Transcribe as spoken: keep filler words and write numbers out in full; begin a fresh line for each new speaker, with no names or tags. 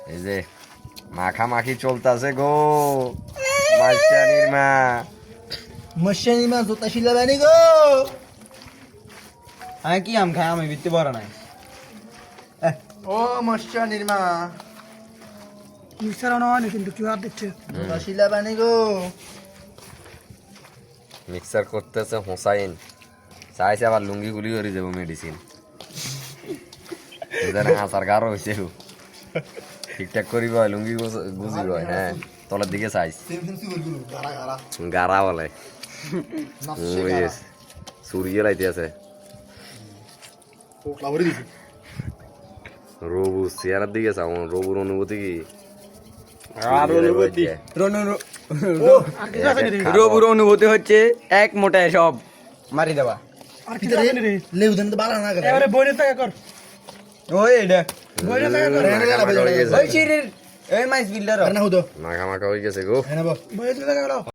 এই যে মাখামাখি চলতেছে গো মাস্টানির মা
মশানি মা জোতা শিলা বানি গো
আমি কি আম খাই আমি বিত্তে বড় নাই
ও মশানির মা
মিক্সার আনা হয়নি কিন্তু কিউ আর দিচ্ছে
জোতা শিলা বানি গো
মিক্সার করতেছে হোসাইন চাইছে আবার লুঙ্গি গুলি করে যাবো মেডিসিন এখানে হাসার গারো হয়েছে ঠিকঠাক করিব লুঙ্গি গুজিব হ্যাঁ তলের দিকে চাইছ গারা বলে সুরিয়ে লাইতে আছে রবু চেয়ারের দিকে চাও রবুর অনুভূতি কি
আর অনুভূতি রবুর অনুভূতি হচ্ছে এক মোটায় সব মারি দেওয়া
আর কি জানি রে
লেউ দেন তো বালা না করে
এবারে বইরে টাকা কর
ওই এটা
বইরে টাকা কর
ওই চিরির এই মাইস বিল্ডার
না হুদো
মাখা মাখা হয়ে গেছে গো
হ্যাঁ না
বইরে টাকা কর